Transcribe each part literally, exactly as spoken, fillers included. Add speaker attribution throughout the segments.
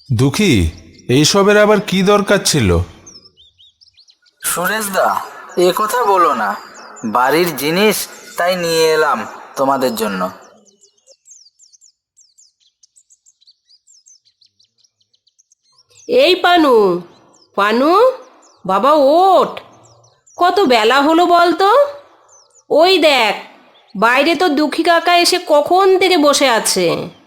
Speaker 1: দুঃখী, এইসবের আবার কি দরকার ছিল?
Speaker 2: সুরেশ দা, এ কথা বলো না। বাড়ির জিনিস, তাই নিয়ে এলাম তোমাদের জন্য।
Speaker 3: এই পানু, পানু, বাবা ওঠ। কত বেলা হলো বলতো? ওই দেখ, বাইরে তো দুঃখী কাকা এসে কখন থেকে বসে আছে।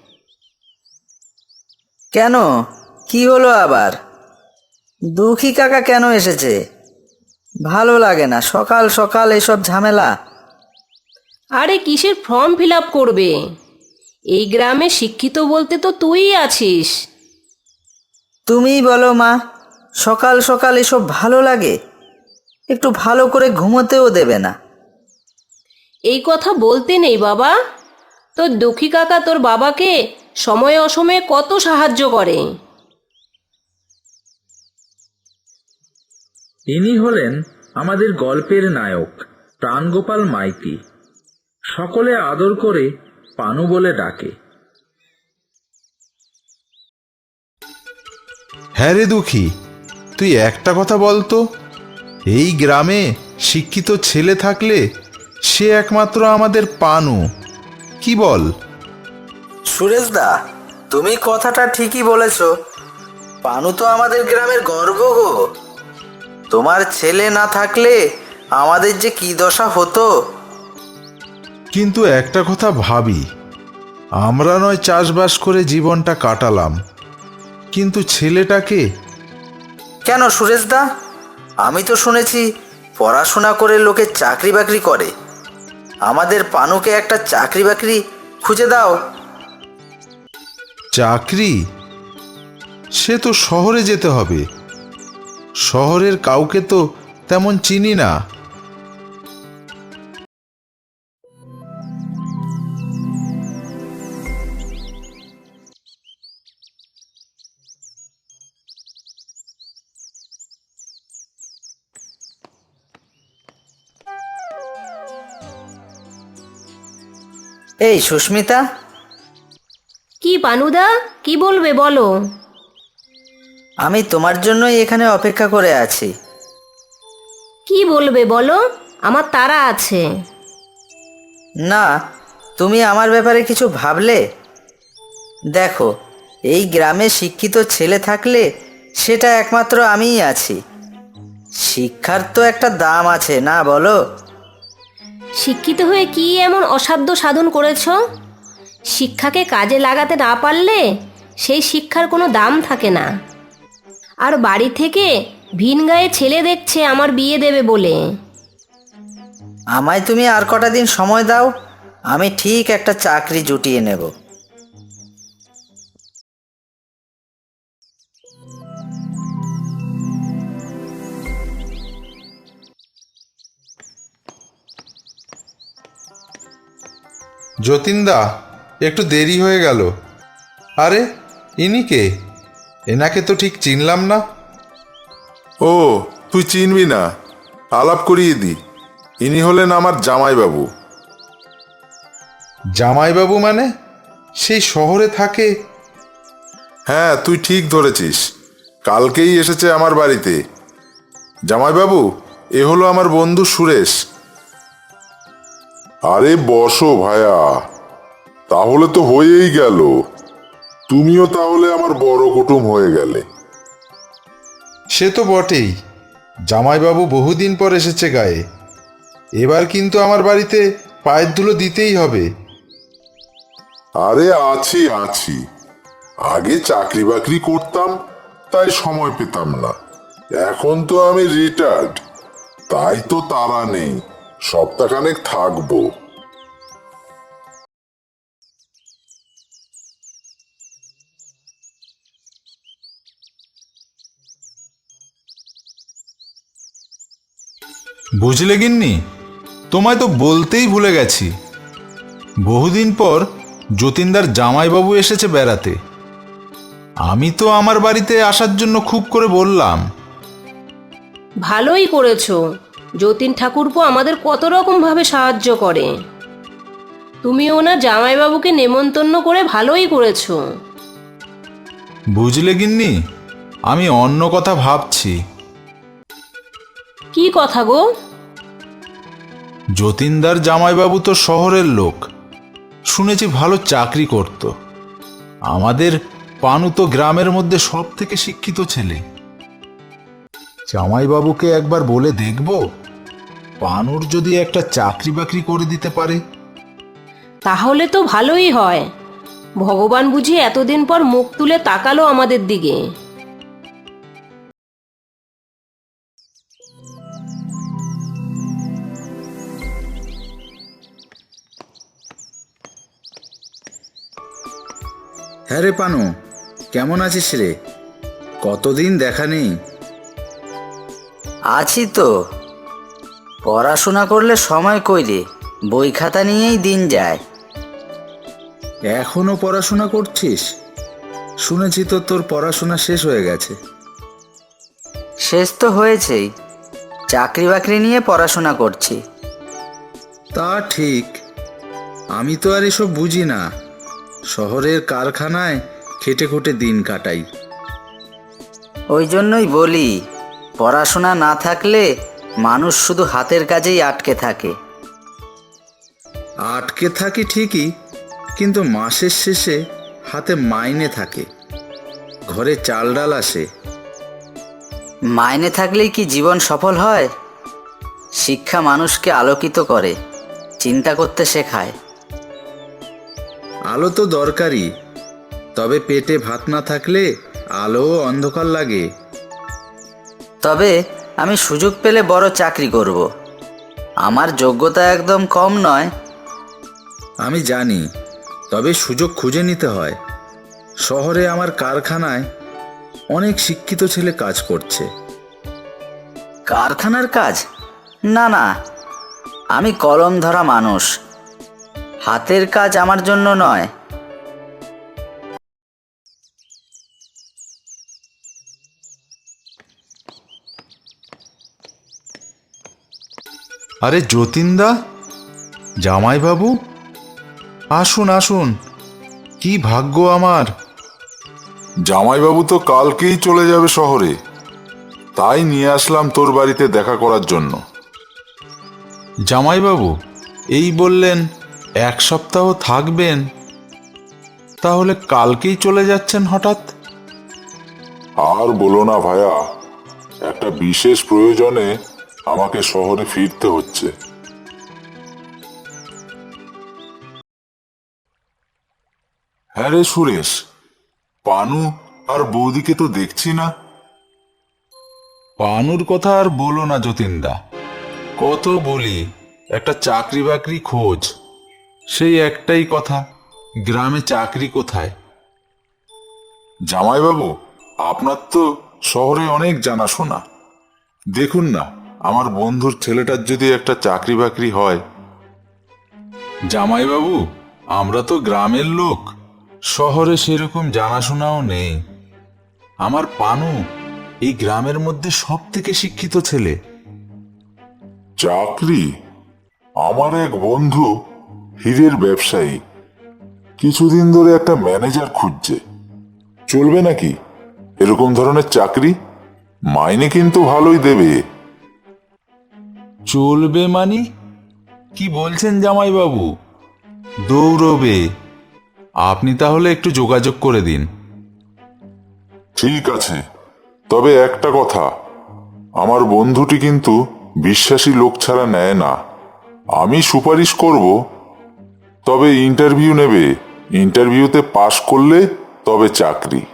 Speaker 2: কেন, কি হলো আবার? দুঃখী কাকা কেন এসেছে? ভালো লাগে না সকাল সকাল এসব ঝামেলা।
Speaker 3: আরে কিসের ফর্ম ফিল আপ করবে? এই গ্রামে শিক্ষিত বলতে তো তুইই আছিস।
Speaker 2: তুমিই বলো মা, সকাল সকাল এসব ভালো লাগে? একটু ভালো করে ঘুমোতেও দেবে না।
Speaker 3: এই কথা বলতে নেই বাবা। তোর দুঃখী কাকা তোর বাবাকে সময়ে অসময়ে কত সাহায্য করে।
Speaker 4: ইনি হলেন আমাদের গল্পের নায়ক প্রাণগোপাল মাইতি। সকলে আদর করে পানু বলে ডাকে।
Speaker 1: হ্যাঁ রে দুঃখী, তুই একটা কথা বলতো, এই গ্রামে শিক্ষিত ছেলে থাকলে সে একমাত্র আমাদের পানু। কি বল?
Speaker 2: সুরেশ দা, তুমি কথাটা ঠিকই বলেছ। পানু তো আমাদের গ্রামের গর্ব গো। তোমার ছেলে না থাকলে আমাদের যে কি দশা হতো।
Speaker 1: কিন্তু একটা কথা ভাবি, আমরা নয় চাষবাস করে জীবনটা কাটালাম, কিন্তু ছেলেটাকে?
Speaker 2: কেন সুরেশ দা? আমি তো শুনেছি পড়াশোনা করে লোকে চাকরি বাকরি করে। আমাদের পানুকে একটা চাকরি বাকরি খুঁজে দাও।
Speaker 1: চাকরি? সে তো শহরে যেতে হবে। শহরের কাউকে তো তেমন চিনি না।
Speaker 2: এই সুস্মিতা,
Speaker 3: কি পানুদা, কি বলবে বলো?
Speaker 2: আমি তোমার জন্যই এখানে অপেক্ষা করে আছি।
Speaker 3: কি বলবে বলো, আমার তাড়া আছে।
Speaker 2: না, তুমি আমার ব্যাপারে কিছু ভাবলে? দেখো, এই গ্রামে শিক্ষিত ছেলে থাকলে সেটা একমাত্র আমিই আছি। শিক্ষার তো একটা দাম আছে না, বলো?
Speaker 3: শিক্ষিত হয়ে কি এমন অসাধ্য সাধন করেছ? শিক্ষাকে কাজে লাগাতে না পারলে সেই শিক্ষার কোনো দাম থাকে না। আর বাড়ি থেকে ভিন গায়ে ছেলে দেখছে আমার বিয়ে দেবে বলে।
Speaker 2: আমায় তুমি আর কটা দিন সময় দাও, আমি ঠিক একটা চাকরি জুটিয়ে নেব।
Speaker 1: যতীনদা, একটু দেরি হয়ে গেল। আরে ইনি কে? এনাকে তো ঠিক চিনলাম না।
Speaker 5: ও, তুই চিনবি না? আলাপ করিয়ে দি। ইনি হলেন আমার জামাইবাবু।
Speaker 1: জামাইবাবু মানে? সেই শহরে থাকে?
Speaker 5: হ্যাঁ, তুই ঠিক ধরেছিস। কালকেই এসেছে আমার বাড়িতে। জামাইবাবু, এ হলো আমার বন্ধু সুরেশ। আরে বসো ভায়া, তাহলে তো হয়েই গেল। তুমিও তাহলে আমার বড় কুটুম হয়ে গেলে।
Speaker 1: সে তো বটেই, জামাইবাবু বহুদিন পর এসেছে গায়ে। এবার কিন্তু আমার বাড়িতে পায়ের ধুলো দিতেই হবে।
Speaker 5: আরে আছি আছি, আগে চাকরি বাকরি করতাম, তাই সময় পেতাম না। এখন তো আমি রিটায়ার্ড, তাই তো তাড়া নেই। সপ্তাহখানেক থাকবো।
Speaker 1: বুঝলে গিন্নি, তোমায় তো বলতেই ভুলে গেছি। বহুদিন পর যতীনদার জামাইবাবু এসেছে বেড়াতে। আমি তো আমার বাড়িতে আসার জন্য খুব করে বললাম।
Speaker 3: ভালোই করেছো। যতীন ঠাকুরপো আমাদের কত রকমভাবে সাহায্য করে। তুমি ওনার জামাইবাবুকে নেমন্তন্ন করে ভালোই করেছো।
Speaker 1: বুঝলে গিন্নি, আমি অন্য কথা ভাবছি।
Speaker 3: কি কথা গো?
Speaker 1: যতীনদার জামাইবাবু তো শহরের লোক, শুনেছি ভালো চাকরি করত। আমাদের পানু তো গ্রামের মধ্যে সব থেকে শিক্ষিত ছেলে। জামাইবাবুকে একবার বলে দেখব, পানুর যদি একটা চাকরি বাকরি করে দিতে পারে।
Speaker 3: তাহলে তো ভালোই হয়। ভগবান বুঝি এতদিন পর মুখ তুলে তাকালো আমাদের দিকে।
Speaker 4: হ্যাঁ রে পানু, কেমন আছিস রে? কতদিন দেখা নেই।
Speaker 2: আছি তো। পড়াশোনা করলে সময় কই রে, বই খাতা নিয়েই দিন যায়।
Speaker 4: এখনো পড়াশোনা করছিস? শুনেছি তো তোর পড়াশোনা শেষ হয়ে গেছে।
Speaker 2: শেষ তো হয়েছেই, চাকরি বাকরি নিয়ে পড়াশোনা করছি।
Speaker 4: তা ঠিক, আমি তো আর এসব বুঝি না। শহরের কারখানায় খেটে খুটে দিন কাটাই।
Speaker 2: ওই জন্যই বলি, পড়াশোনা না থাকলে মানুষ শুধু হাতের কাজেই আটকে থাকে।
Speaker 4: আটকে থাকি ঠিকই, কিন্তু মাসের শেষে হাতে মাইনে থাকে, ঘরে চাল ডাল আসে।
Speaker 2: মাইনে থাকলেই কি জীবন সফল হয়? শিক্ষা মানুষকে আলোকিত করে, চিন্তা করতে শেখায়।
Speaker 4: আলো তো দরকারি, তবে পেটে ভাত না থাকলে আলোও অন্ধকার লাগে।
Speaker 2: তবে আমি সুযোগ পেলে বড় চাকরি করব। আমার যোগ্যতা একদম কম নয়।
Speaker 4: আমি জানি, তবে সুযোগ খুঁজে নিতে হয়। শহরে আমার কারখানায় অনেক শিক্ষিত ছেলে কাজ করছে।
Speaker 2: কারখানার কাজ? না না, আমি কলম ধরা মানুষ, হাতের কাজ আমার জন্য নয়।
Speaker 1: আরে যতীনদা, জামাইবাবু, আসুন আসুন, কি ভাগ্য আমার।
Speaker 5: জামাইবাবু তো কালকেই চলে যাবে শহরে, তাই নিয়ে আসলাম তোর বাড়িতে দেখা করার জন্য।
Speaker 1: জামাইবাবু এই বললেন এক সপ্তাহ থাকবেন, তাহলে কালকেই চলে যাচ্ছেন হঠাৎ?
Speaker 5: আর বলো না ভায়া, একটা বিশেষ প্রয়োজনে আমাকে শহরে ফিরতে হচ্ছে। হ্যাঁ রে সুরেশ, পানু আর বৌদিকে তো দেখছি না।
Speaker 1: পানুর কথা আর বলো না যতীনদা, কত বলি একটা চাকরি বাকরি খোঁজ, সেই একটাই কথা, গ্রামে চাকরি কোথায়?
Speaker 5: জামাইবাবু, আপনার তো শহরে অনেক জানাশোনা। দেখুন না, আমার বন্ধুর ছেলেটার যদি একটা চাকরি বাকরি হয়।
Speaker 1: জামাইবাবু, আমরা তো গ্রামের লোক, শহরে সেরকম জানাশোনাও নেই। আমার পানু এই গ্রামের মধ্যে সব থেকে শিক্ষিত ছেলে।
Speaker 5: চাকরি? আমার এক বন্ধু হীরের ব্যবসায়ী, কিছুদিন ধরে একটা ম্যানেজার খুঁজছে। চলবে নাকি এরকম ধরনের চাকরি? মাইনে কিন্তু ভালোই দেবে।
Speaker 1: চলবে মানে কি বলছেন জামাইবাবু? দৌড়বে। আপনি তাহলে একটু যোগাযোগ করে দিন।
Speaker 5: ঠিক আছে, তবে একটা কথা, আমার বন্ধুটি কিন্তু বিশ্বাসী লোক ছাড়া নেয় না। আমি সুপারিশ করব, তবে ইন্টারভিউ নেবে। ইন্টারভিউতে পাশ করলে তবে চাকরি।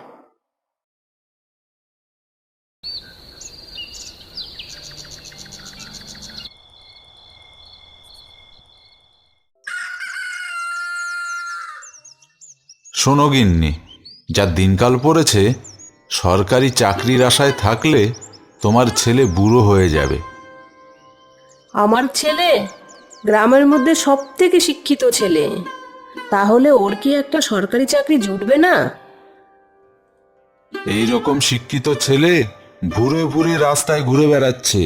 Speaker 1: শোনো গিন্নি, যা দিনকাল পড়েছে, সরকারি চাকরির আশায় থাকলে তোমার ছেলে বুড়ো হয়ে যাবে।
Speaker 3: আমার ছেলে গ্রামের মধ্যে সব থেকে শিক্ষিত ছেলে, তাহলে ওর কি একটা সরকারি চাকরি জুটবে না?
Speaker 1: এই রকম শিক্ষিত ছেলে ঘুরে ঘুরে রাস্তায় ঘুরে বেড়াচ্ছে।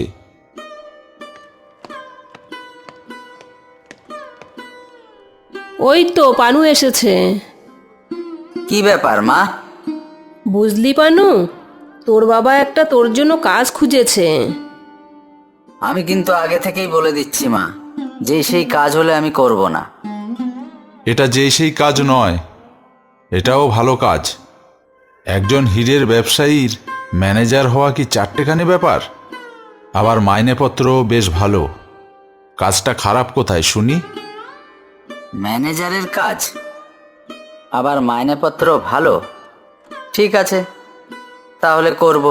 Speaker 3: ওই তো পানু এসেছে।
Speaker 2: কি ব্যাপার মা,
Speaker 3: বুঝলি পানু, তোর বাবা একটা তোর জন্য কাজ খুঁজেছে।
Speaker 2: আমি কিন্তু আগে থেকেই বলে দিচ্ছি মা, যে সেই কাজ হলে আমি করব না।
Speaker 1: এটা যে সেই কাজ নয়, এটাও ভালো কাজ। একজন হীরের ব্যবসায়ীর ম্যানেজার হওয়া কি চারটেখানি ব্যাপার? আবার মাইনেপত্রও বেশ ভালো। কাজটা খারাপ কোথায় শুনি?
Speaker 2: ম্যানেজারের কাজ, আবার মাইনেপত্র ভালো। ঠিক আছে, তাহলে করব।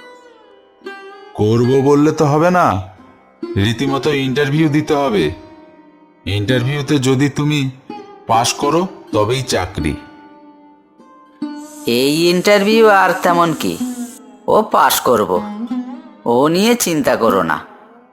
Speaker 1: করব বললে তো হবে না, রীতিমতো ইন্টারভিউ দিতে হবে। ইন্টারভিউতে যদি তুমি পাশ করো তবেই চাকরি।
Speaker 2: এই ইন্টারভিউ আর তেমন কি, ও পাশ করব, ও নিয়ে চিন্তা করো না।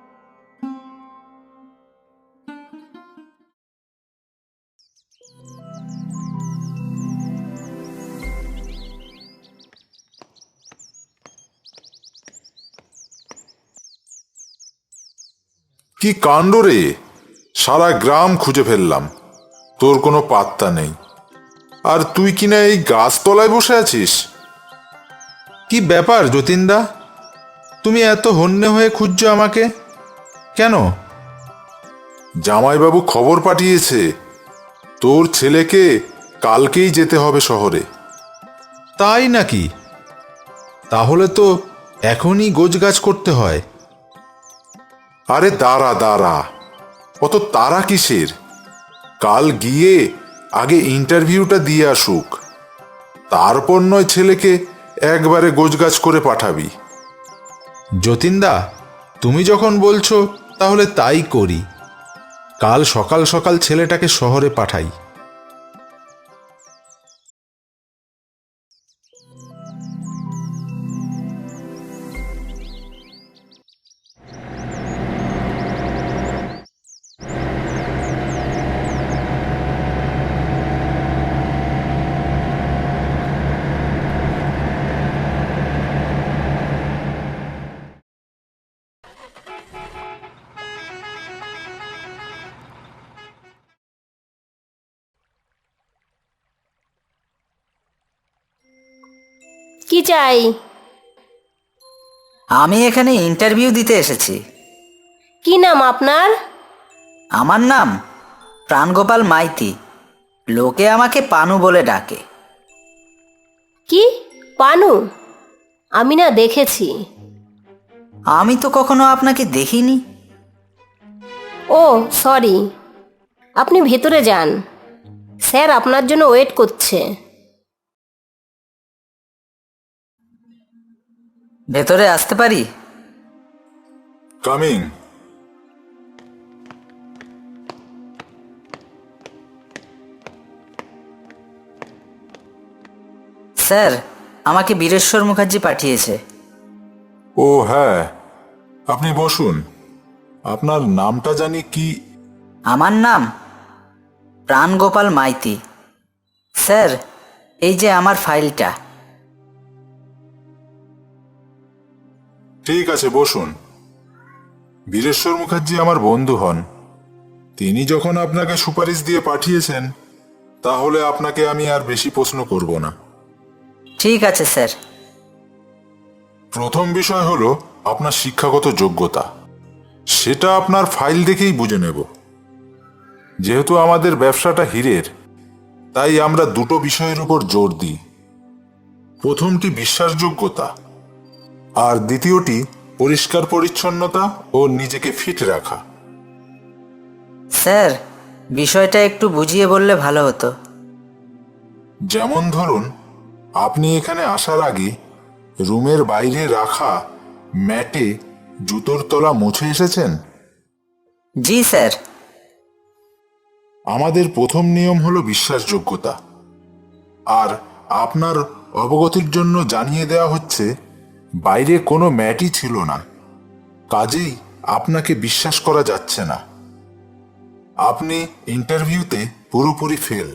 Speaker 5: কি কাণ্ড রে, সারা গ্রাম খুঁজে ফেললাম, তোর কোনো পাত্তা নেই। আর তুই কিনা এই গাছতলায় বসে আছিস?
Speaker 1: কি ব্যাপার যতীনদা, তুমি এত হন্যে হয়ে খুঁজছো আমাকে কেন?
Speaker 5: জামাইবাবু খবর পাঠিয়েছে, তোর ছেলেকে কালকেই যেতে হবে শহরে।
Speaker 1: তাই নাকি? তাহলে তো এখনই গোছগাছ করতে হয়।
Speaker 5: আরে দাঁড়া দাঁড়া, অত তারা কিসের? কাল গিয়ে আগে ইন্টারভিউটা দিয়ে আসুক, তারপর নয় ছেলেকে একবারে গোছগাছ করে পাঠাবি।
Speaker 1: যতীনদা, তুমি যখন বলছো তাহলে তাই করি। কাল সকাল সকাল ছেলেটাকে শহরে পাঠাই।
Speaker 3: কি চাই?
Speaker 2: আমি এখানে ইন্টারভিউ দিতে এসেছি।
Speaker 3: কি নাম আপনার?
Speaker 2: আমার নাম প্রাণগোপাল মাইতি, লোকে আমাকে পানু বলে ডাকে।
Speaker 3: কি পানু? আমি না দেখেছি।
Speaker 2: আমি তো কখনো আপনাকে দেখিনি।
Speaker 3: ও সরি, আপনি ভেতরে যান, স্যার আপনার জন্য ওয়েট করছে।
Speaker 2: ভেতরে আসতে পারি?
Speaker 5: কামিং।
Speaker 2: স্যার, আমাকে বীরেশ্বর মুখার্জি পাঠিয়েছে।
Speaker 5: ও হ্যাঁ, আপনি বসুন। আপনার নামটা জানি কি?
Speaker 2: আমার নাম প্রাণগোপাল মাইতি। স্যার, এই যে আমার ফাইলটা।
Speaker 5: ঠিক আছে, বসুন। বীরেশ্বর মুখার্জি আমার বন্ধু হন। তিনি যখন আপনাকে সুপারিশ দিয়ে পাঠিয়েছেন, তাহলে আপনাকে আমি আর বেশি প্রশ্ন করব না।
Speaker 2: ঠিক আছে স্যার।
Speaker 5: প্রথম বিষয় হলো আপনার শিক্ষাগত যোগ্যতা। সেটা আপনার ফাইল দেখেই বুঝে নেব। যেহেতু আমাদের ব্যবসাটা হীরের, তাই আমরা দুটো বিষয়ের উপর জোর দিই। প্রথমটি বিশ্বাসযোগ্যতা, আর দ্বিতীয়টি পরিষ্কার পরিচ্ছন্নতা ও নিজেকে ফিট রাখা।
Speaker 2: স্যার, বিষয়টা একটু বুঝিয়ে বললে ভালো হতো।
Speaker 5: যেমন ধরুন, আপনি এখানে আসার আগে রুমের বাইরে রাখা ম্যাটে জুতোর তলা মুছে এসেছেন?
Speaker 2: জি স্যার।
Speaker 5: আমাদের প্রথম নিয়ম হলো বিশ্বাসযোগ্যতা। আর আপনার অবগতির জন্য জানিয়ে দেওয়া হচ্ছে, বাইরে কোনো ম্যাটই ছিল না, কাজেই আপনাকে বিশ্বাস করা যাচ্ছে না। আপনি ইন্টারভিউতে পুরোপুরি ফেল।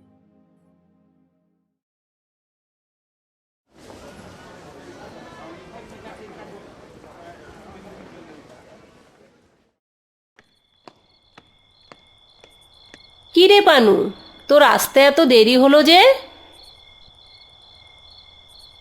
Speaker 3: কি রে পানু, তোর আসতে এত দেরি হলো যে?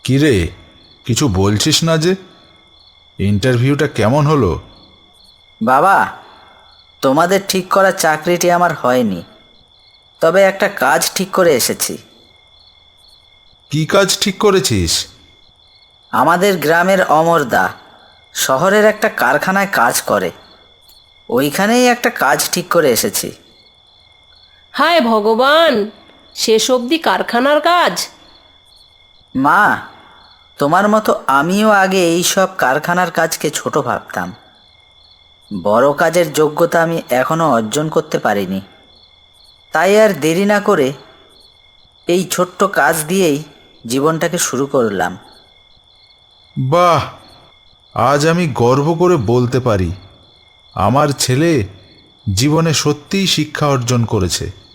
Speaker 1: কিরে, কিছু বলছিস না যে? ইন্টারভিউটা কেমন হলো?
Speaker 2: বাবা, তোমাদের ঠিক করা চাকরিটি আমার হয়নি, তবে একটা কাজ ঠিক করে এসেছি।
Speaker 1: কি কাজ ঠিক করেছিস?
Speaker 2: আমাদের গ্রামের অমরদা শহরের একটা কারখানায় কাজ করে, ওইখানেই একটা কাজ ঠিক করে এসেছি।
Speaker 3: হায় ভগবান, শেষ অবধি কারখানার কাজ!
Speaker 2: মা, তোমার মতো আমিও আগে এই সব কারখানার কাজকে ছোট ভাবতাম। বড় কাজের যোগ্যতা আমি এখনো অর্জন করতে পারিনি, তাই আর দেরি না করে এই ছোট্ট কাজ দিয়েই জীবনটাকে শুরু করলাম।
Speaker 1: বাহ, আজ আমি গর্ব করে বলতে পারি আমার ছেলে জীবনে সত্যিই শিক্ষা অর্জন করেছে।